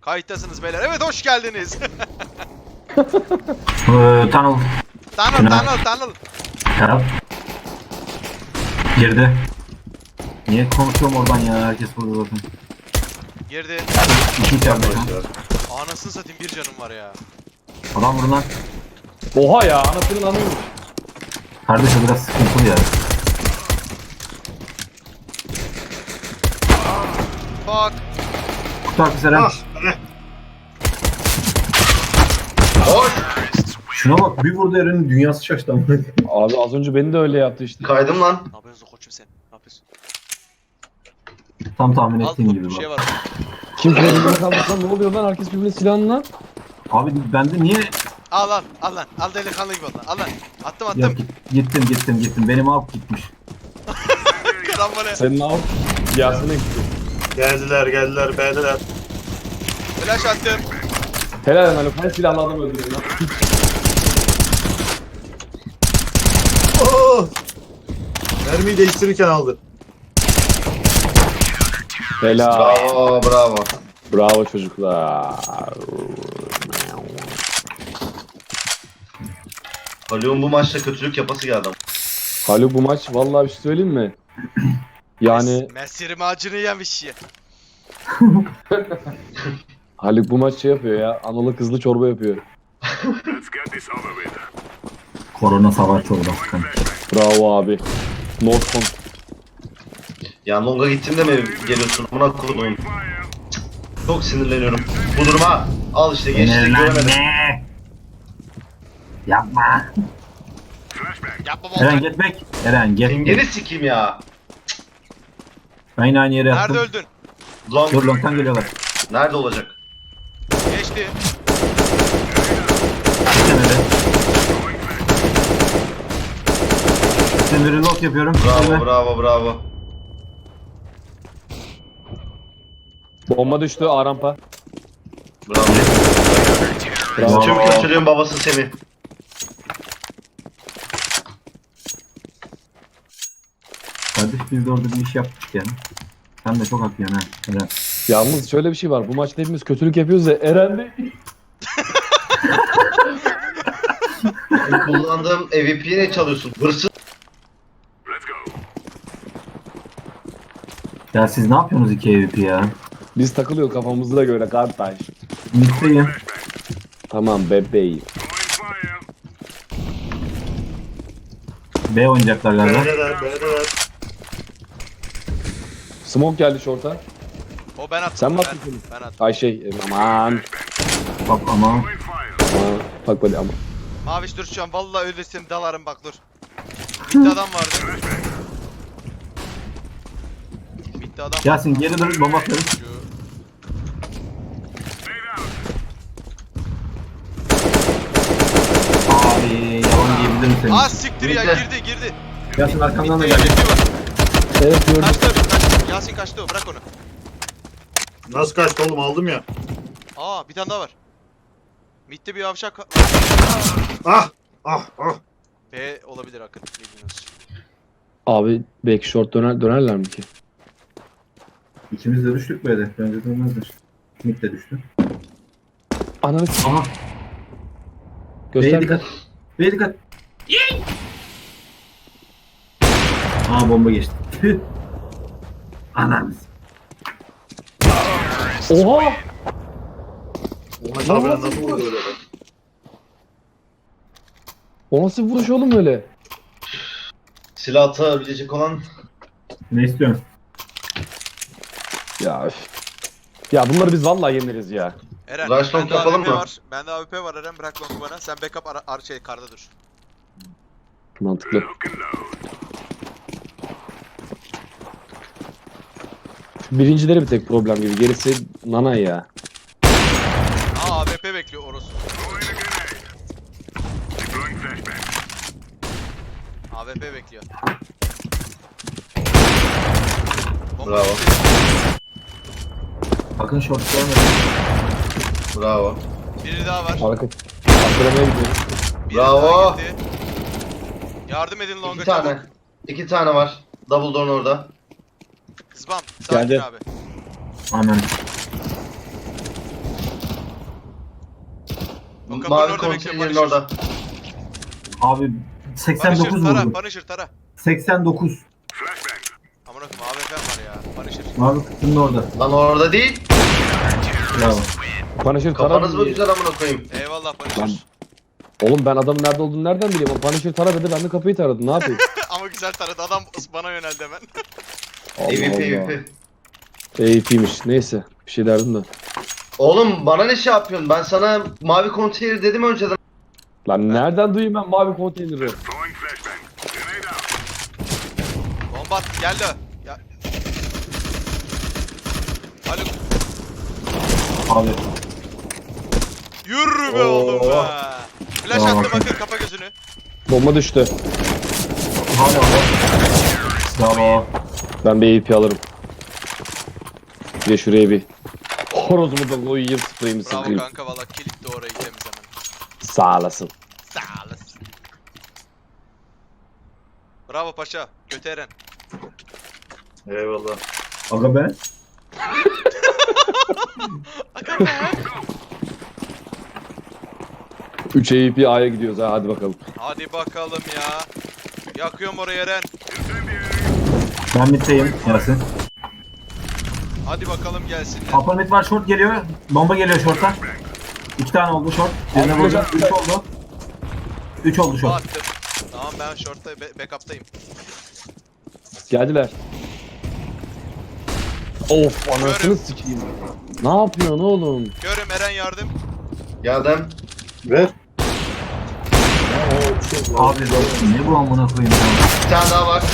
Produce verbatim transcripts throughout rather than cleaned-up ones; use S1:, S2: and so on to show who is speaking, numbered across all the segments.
S1: Kayıttasınız beyler. Evet hoş geldiniz.
S2: Tunnel.
S1: Tunnel tunnel tunnel.
S2: Taraf. Girdi. Niye konuşuyorum oradan ya? Herkes burada zaten.
S1: Girdi.
S2: İki içeride.
S1: Anasını satayım, bir canım var ya.
S2: Adam vurun lan.
S3: Oha ya, anasının anıymış.
S2: Kardeş o biraz sıkıntılı ya.
S1: Bak.
S2: Kutu arkası Eren. Şuna bak, bir vurdu Eren'in dünyası şaştı ama.
S3: Abi az önce beni de öyle yaptı işte.
S4: Kaydım lan.
S1: Ne yapıyorsun koçum sen? Ne yapıyorsun?
S2: Tam tahmin
S1: Al
S2: ettiğim
S1: bu
S2: gibi
S1: bir
S2: bak.
S1: şey var.
S3: Kim birbirine kalmış lan, ne oluyor lan, herkes birbirine silahını lan.
S2: Abi bende niye...
S1: Al lan al lan. Al delikanlı gibi ol lan. Al lan. Attım
S2: Ya,
S1: attım.
S2: gittim gittim gittim. Benim av gitmiş.
S1: Karambole.
S3: Senin av Yasin'e gitti.
S5: Geldiler geldiler B'deler.
S1: Flash attım.
S3: Helal lan Haluk, her silahlı adam öldürüyor lan.
S5: Oh! Mermiyi değiştirirken aldı.
S3: Helal.
S4: Bravo bravo.
S3: Bravo çocuklar.
S4: Haluk'un bu maçta kötülük yapası geldi.
S3: Haluk bu maç vallahi bir şey söyleyeyim mi? Yani
S1: Mesir macunu yemiş ya.
S3: Haluk bu maç şey yapıyor ya, analı kızlı çorba yapıyor.
S2: Korona savaş çorbası.
S3: Bravo abi. Northcon.
S4: Ya Long'a gittiğimde mi geliyorsun? Buna koydum. Çok sinirleniyorum. Bu duruma al işte geçti göremedim.
S2: Ne? Yapma.
S1: Yapma
S2: Eren
S1: bol.
S2: get back. Eren get
S4: Pingeni
S2: back.
S4: sikeyim ya.
S2: Ben yine aynı yere yattım.
S1: Nerede öldün?
S4: Long
S2: Dur long'tan geliyorlar.
S4: nerede olacak?
S1: Geçti.
S2: Kenara. Şimdi reload yapıyorum.
S4: Bravo
S2: Elime.
S4: bravo bravo.
S3: Bomba düştü A rampa.
S4: Bravo.
S3: Bravo.
S4: Tüm kötülüğün babası Semih.
S2: Kardeş biz de orada bir iş yaptık yani. Sen de çok haklısın ha. Eren.
S3: Yalnız şöyle bir şey var. Bu maçta hepimiz kötülük yapıyoruz ya. Eren de
S4: Kullandığım M V P'yi ne çalıyorsun? Hırsız.
S2: Ya siz ne yapıyorsunuz iki E V P ya?
S3: biz takılıyor kafamızda göre kardeş.
S2: Mitteyim.
S3: Tamam bebeğim.
S2: B oynayacaklar galiba.
S5: B'deler B'deler.
S3: Smoke geldi short'a.
S1: O ben attım.
S3: Sen mi
S1: ben,
S3: attın seni?
S1: ben attım.
S3: Ay şey aman.
S2: Bak ama.
S3: Aman. Bak böyle ama.
S1: Maviş dur şu an vallahi ölürsem dalarım bak dur. Bitti adam vardı. Bitti adam.
S2: Yasin geri dön bomba atıyorum.
S1: Şu-
S2: Abi yalan diyebilirim seni.
S1: Aa siktir ya,
S4: Bitti.
S1: girdi girdi.
S2: Yasin arkamdan da
S1: Bitti,
S2: geldi.
S1: bitti var.
S3: Evet gördüm.
S1: Kaçtı kaçtı. Yasin kaçtı o, bırak onu.
S5: Nasıl kaçtı oğlum, aldım ya.
S1: Aa bir tane daha var. Mid'de bir yavşak.
S5: Ah ah ah.
S1: B olabilir Akın. Bilmiyoruz.
S3: Abi belki short döner dönerler mi ki?
S2: İkimiz de düştük böyle. Bence dönmezler. Mid de düştü.
S3: Ananı s-
S2: Aha.
S3: göster.
S2: B'ye dikkat. B'ye dikkat. Aa bomba geçti. Tüh. Anam.
S3: Oha!
S5: Maç abi nasıl vurdu öyle be?
S3: O nasıl bir vuruş oğlum öyle?
S4: Silah atabilecek olan
S2: Ne istiyorsun?
S3: Ya üf. Ya bunları biz vallahi yeniriz ya.
S1: Eren,
S4: Rush long
S1: bende
S4: yapalım
S1: A W P
S4: mı?
S1: var. Bende A W P var Eren, bırak longu bana. Sen backup ara, ar şey karda dur.
S3: Mantıklı. Şu birincileri bir tek problem gibi. Gerisi nana ya.
S1: Aa A W P bekliyor orası. A W P bekliyor. Bomba
S4: Bravo.
S1: düştü.
S2: Bakın short görmedim.
S4: bravo.
S1: Biri daha var.
S3: Arka. Arkalamaya gidiyoruz.
S1: Biri
S4: Bravo.
S1: daha gitti. Yardım edin longa
S4: İki tane.
S1: çabuk.
S4: İki tane var. Double door'un orada.
S1: Kızbam. Sakin
S3: Geldi.
S1: abi.
S2: Aman.
S1: O kapının
S4: Mavi
S1: orada bekliyor,
S4: konteynerin
S1: Punisher.
S4: orada.
S2: Abi seksen dokuz
S1: Punisher tara,
S2: vurdu.
S1: Punisher tara.
S2: seksen dokuz.
S1: Aman okuma A W P var ya, Punisher.
S2: Abi kutunun orada.
S4: Lan orada değil.
S2: Bravo.
S3: Punisher
S4: Kafanız mı
S3: tara dedi.
S4: güzel amına koyayım.
S1: Eyvallah Punisher.
S3: Lan. Oğlum ben adamın nerede olduğunu nereden bileyim? O Punisher tara dedi, ben de kapıyı taradım. Ne yapayım?
S1: Ama güzel taradı, adam bana yöneldi hemen.
S4: E V P,
S3: Allah
S4: E V
S3: Allah.
S4: P.
S3: E V P'ymiş. Neyse. Bir şey derdim de.
S4: Oğlum bana ne şey yapıyorsun? Ben sana mavi konteyner dedim önceden.
S3: Lan nereden duyayım ben mavi konteyneri?
S1: Bomba at, geldi. Ya. Haluk,
S2: Abi.
S1: yürü be
S3: Oo.
S1: oğlum be. Flash
S2: Bravo.
S1: attım, bakın kapa gözünü.
S3: Bomba düştü.
S2: Hala orada. Bravo.
S3: Ben bir E V P alırım. Bir de şuraya bir horozumu da koyayım, spreyimi
S1: Bravo
S3: sıkayım.
S1: kanka, valla kilitle orayı temiz hemen.
S3: Sağ olasın.
S1: Sağ olasın. Bravo paşa, götü Eren.
S5: Eyvallah.
S2: Aga be.
S3: üç E V P A'ya gidiyoruz ha, hadi bakalım.
S1: Hadi bakalım ya. Yakıyorum orayı Eren.
S2: Ben middeyim Yasin.
S1: Hadi bakalım gelsinler.
S2: Upper mid var, short geliyor. Bomba geliyor short'a. İki tane oldu short. Birine
S3: Abi,
S2: vuracağım.
S3: hocam.
S2: Üç oldu. Üç oldu short.
S1: Attım. Tamam, ben short'ta be- backup'tayım.
S3: Geldiler. Of, anasını
S1: Görüm.
S3: sikeyim. Ne yapıyorsun oğlum?
S1: Görüm Eren, yardım.
S4: Geldim.
S5: Ver.
S2: Abi ne bu amına koyayım ya.
S4: Bir tane daha var.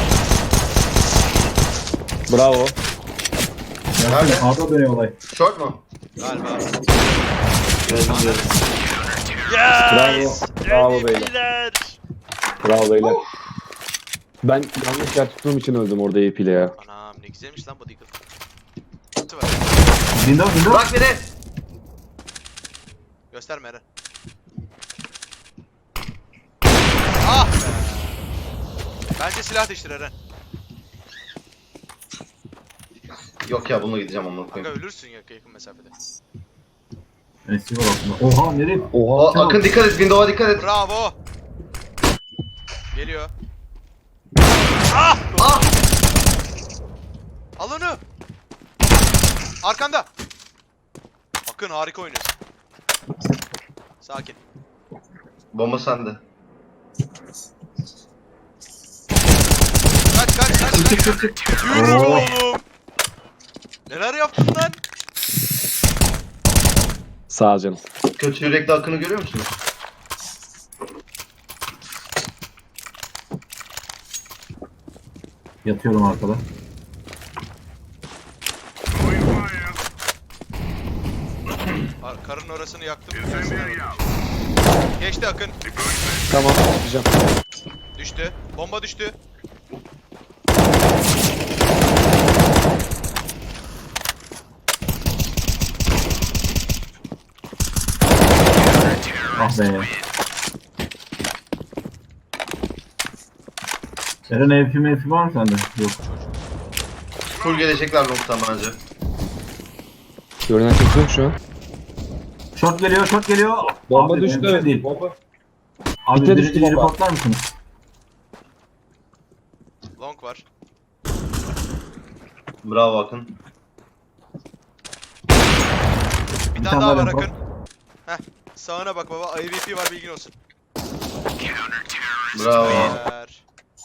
S3: Bravo.
S2: Yasin
S4: Nerede?
S2: A'da dönüyor olay.
S4: Short mu?
S1: Galiba.
S5: Geldim geldim.
S3: Bravo. Bravo beyler. Bravo beyler. Ben yanlış yer tuttuğum için öldüm orada E V P ile ya.
S1: Anam ne güzelmiş lan bu Deagle. Kutu var.
S2: Window window.
S4: Bırak beni.
S1: Gösterme Eren. Ah be. Bence silah değiştir Eren.
S4: Yok ya bununla gideceğim amına
S1: Kanka
S4: koyayım.
S1: ölürsün ya yakın mesafede.
S2: Receiver altında. Oha nereye?
S4: O,
S3: Oha.
S4: Akın dikkat et, window'a dikkat et.
S1: Bravo. Geliyor. Ah!
S4: Ah!
S1: Al onu. Arkanda. Akın harika oynuyorsun. Sakin.
S4: Bomba sende.
S1: Kaç kaç kaç
S2: Çık
S1: kaç.
S2: çık çık çık.
S1: Yürü be
S2: Oo.
S1: oğlum. Neler yaptın lan?
S3: Sağ ol canım.
S4: Kötü yürekli Akın'ı görüyor musunuz?
S2: Yatıyorum arkada.
S1: Ar- Karın orasını yaktım. Geçti Akın.
S3: Tamam, çıkacağım.
S1: Düştü. Bomba düştü.
S2: Ah be. Eren E V P M F var mı sende? Yok.
S4: Full gelecekler noktadan bence.
S3: Görünen kimse yok şu an.
S2: Short geliyor, short geliyor.
S3: Bomba
S2: Abi,
S3: düştü.
S2: mümkün değil.
S3: Bomba.
S2: Abi
S3: Bite
S2: birinci
S3: düştü bomba.
S2: reportlar mısınız?
S1: Long var.
S4: Bravo Akın.
S1: Bir
S2: Bir
S1: tane
S2: tane
S1: daha
S2: daha
S1: var
S2: report.
S1: Akın. Heh. Sağına bak baba. I V P var, bilgin olsun.
S4: Bravo.
S1: Beyler.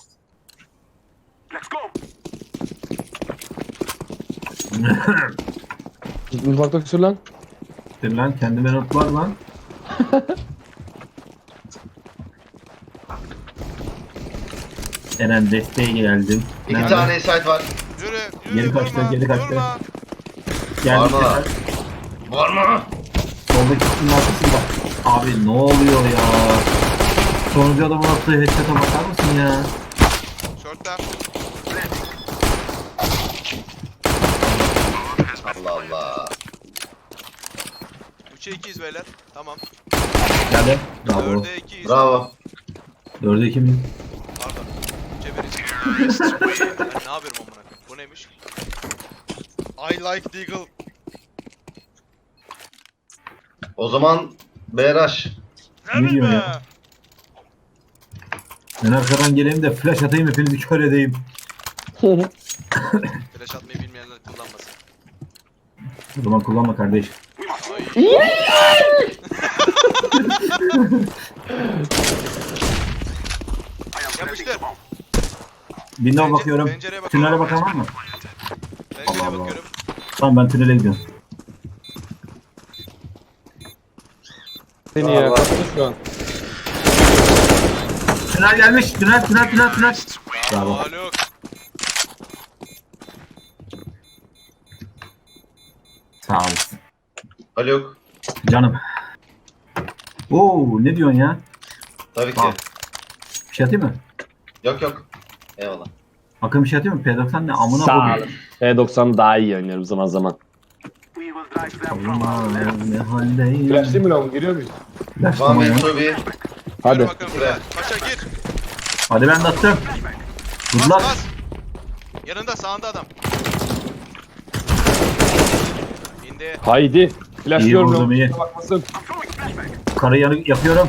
S3: Mutfakta sür lan.
S2: Dur lan kendime notlar lan. Eren desteğe geldim.
S4: İki
S2: Nerede?
S4: tane site var.
S1: Yürü, yürü,
S2: Geri kaçtı,
S1: durma,
S2: geri kaçtı.
S1: durma.
S2: Geldik
S4: Var mı?
S2: Eren.
S4: Var mı?
S2: Soldaki kutunun arkasında. Abi ne oluyor ya? Sonuncu adamın attığı headshot'a bakar mısın ya?
S1: Short'ta.
S4: Allah Allah.
S1: üçe ikiyiz beyler. Tamam.
S2: Geldi. Bravo.
S1: dörde ikiyiz.
S4: Bravo.
S2: Dörde iki mi?
S1: Pardon. üçe biriz. Ben ne yapıyorum amına koyayım? Bu neymiş? I like Deagle.
S4: O zaman Beyraş.
S2: Ne diyor
S1: be?
S2: ya? Ben arkadan geleyim de flash atayım hepinizi kör edeyim.
S1: Flash atmayı bilmeyenler kullanmasın.
S2: O zaman kullanma kardeş.
S1: Ay. Yapıştır.
S2: Window
S1: Pence-
S2: bakıyorum.
S1: pencereye bakalım.
S2: Tünele bakan var mı?
S1: Pencereye
S2: Allah Allah.
S1: bakıyorum.
S2: Tamam ben tünele gidiyorum.
S3: Seni ya kaptı şu an.
S2: Tünel gelmiş. Tünel tünel tünel tünel.
S1: Bravo
S2: Bravo.
S1: Haluk.
S2: Sağ olasın.
S4: Haluk.
S2: Canım. Oo ne diyorsun ya?
S4: Tabii ki.
S2: Tamam. Bir şey atayım mı?
S4: Yok yok. Eyvallah.
S2: Akın bir şey atayım mı? P doksan ne? Amına
S3: Sağ
S2: koyayım.
S3: olun. P doksan daha iyi oynuyorum zaman zaman.
S2: Allah ne haldeyim.
S3: Flash değil mi lan? Giriyor muyuz?
S2: Flash
S4: Van
S2: tamam ya.
S4: Ventobi.
S1: Gir
S3: Hadi.
S1: bakalım buraya. Paşa gir.
S2: Hadi ben de attım.
S1: Bas
S2: Good luck.
S1: bas. Yanında sağında adam. İndi.
S3: Haydi. Flash
S2: İyi
S3: diyorum
S2: vurdum,
S3: lan.
S2: iyi.
S3: Kusura bakmasın.
S2: Karı yanı yapıyorum.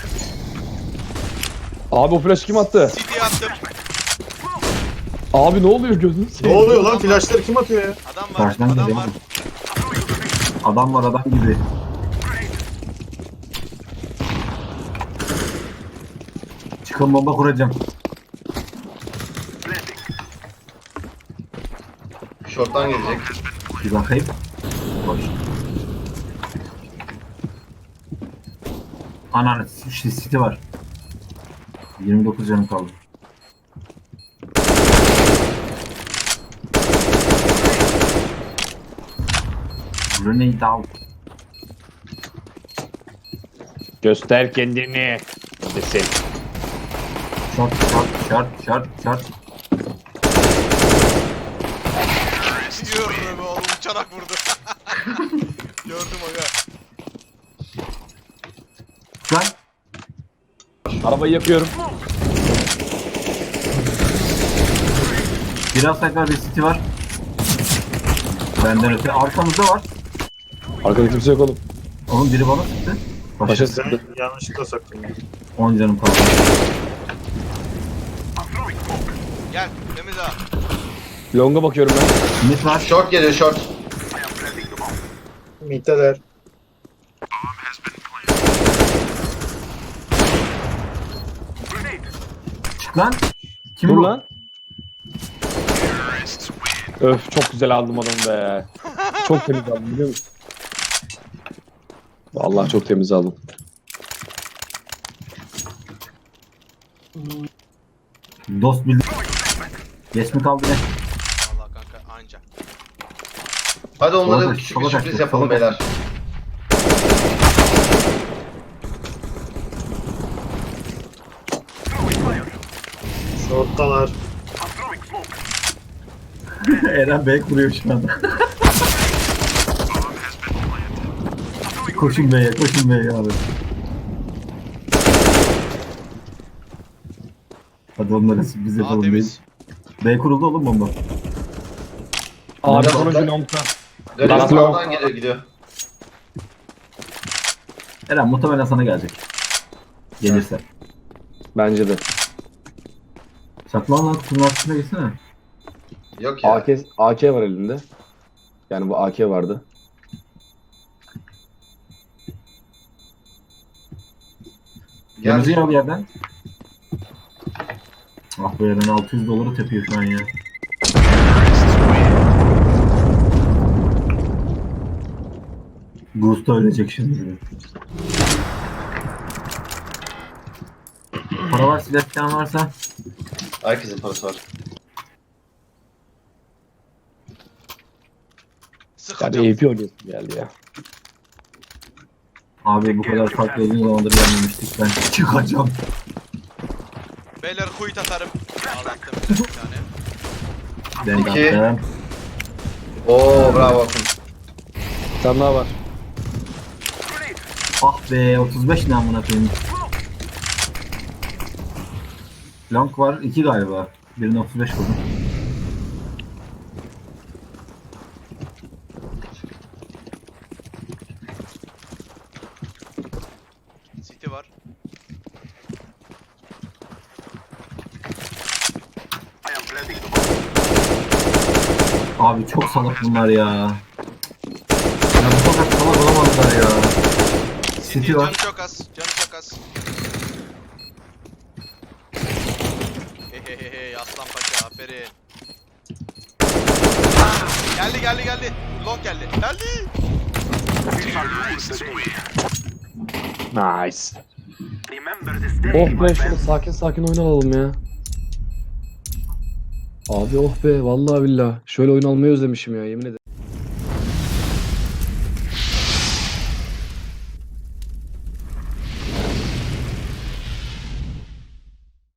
S3: Abi o flash kim attı?
S1: City attım.
S3: Abi ne oluyor gözünü
S5: Ne
S3: seveyim.
S5: oluyor lan? Flashları kim atıyor ya?
S1: Adam var.
S2: Karşıdan
S1: Adam
S2: geliyor.
S1: var.
S2: Adam var adam gibi. Çıkın bomba kuracağım.
S4: Short'tan gelecek.
S2: Bir bakayım. Boş. Ananı işte city var. yirmi dokuz canım kaldı. Grenade out.
S3: Göster kendini. Desin.
S2: Short short short short short.
S1: Diyorum be oğlum uçarak vurdu. Gördüm aga.
S2: Lan.
S3: Arabayı yakıyorum.
S2: Biraz tekrar bir city var. Benden öte arkamızda var.
S3: Arkada kimse yok oğlum.
S2: Onun biri bana sıktı.
S3: Paşa
S2: Başa
S3: sıktı.
S5: Ben yanlışlıkla saktım ya.
S2: on canım kaldı.
S1: Gel temiz ha.
S3: Long'a bakıyorum ben.
S2: Mid var.
S4: Short geliyor short.
S5: Middeler.
S2: Çık lan. Kim
S3: Dur
S2: bu?
S3: lan. Öf çok güzel aldım adamı be. Çok temiz aldım biliyor musun? Vallahi çok temiz aldım.
S2: Dost bildi. Geç mi kaldı ne?
S1: Vallahi kanka anca.
S4: Hadi onlara
S2: Sola kaç,
S4: küçük
S2: sola
S4: bir
S2: kaç,
S4: sürpriz
S2: sola
S4: yapalım
S2: kaç.
S4: beyler.
S5: Short'talar.
S2: Eren Bey kuruyor şu anda. Koşun Bey'e, koşun Bey'e abi. Hadi onlara sürpriz
S1: Aa
S2: yapalım değil.
S1: temiz.
S2: Bey kuruldu oğlum bomba.
S3: Abi
S2: Nerede?
S3: sonucu Long'da.
S4: Galiba
S3: Last
S4: sağdan geliyor gidiyor.
S2: Eren muhtemelen sana gelecek. Gelirse.
S3: Bence de.
S2: Saklan lan kutunun arkasına geçsene.
S4: Yok ya.
S3: A K, A K var elinde. Yani bu A K vardı.
S2: Yanıcı
S4: Gel.
S2: al yerden. Ah be Eren altı yüz doları tepiyor şu an ya. Gusto ölecek şimdi. Para var, silah falan varsa.
S4: Herkesin parası var.
S1: Sıkacağım.
S3: Yani A P oynuyorsun geldi ya.
S2: Abi bu kadar farklı uzun zamandır gelmemiştik ben. Çıkacağım.
S1: Beyler kuyut atarım. Ağlattım bir tane.
S2: Ben
S4: İki.
S2: de attım.
S4: Oo bravo Akın.
S3: Bir tane daha var.
S2: Ah be otuz beş ne amına koyayım. Long var iki galiba. Birine otuz beş vurdum. Abi çok salak bunlar ya. Ya bu kadar salak olamazlar ya.
S1: City
S2: City
S1: canı
S2: var.
S1: çok az. Canı çok az. Hehehehe aslan paşa aferin. Geldi geldi geldi. Long geldi. Geldi.
S3: Nice. Oh be şöyle sakin sakin oyun alalım ya. Abi oh be vallahi billah. Şöyle oyun almayı özlemişim ya yemin ederim.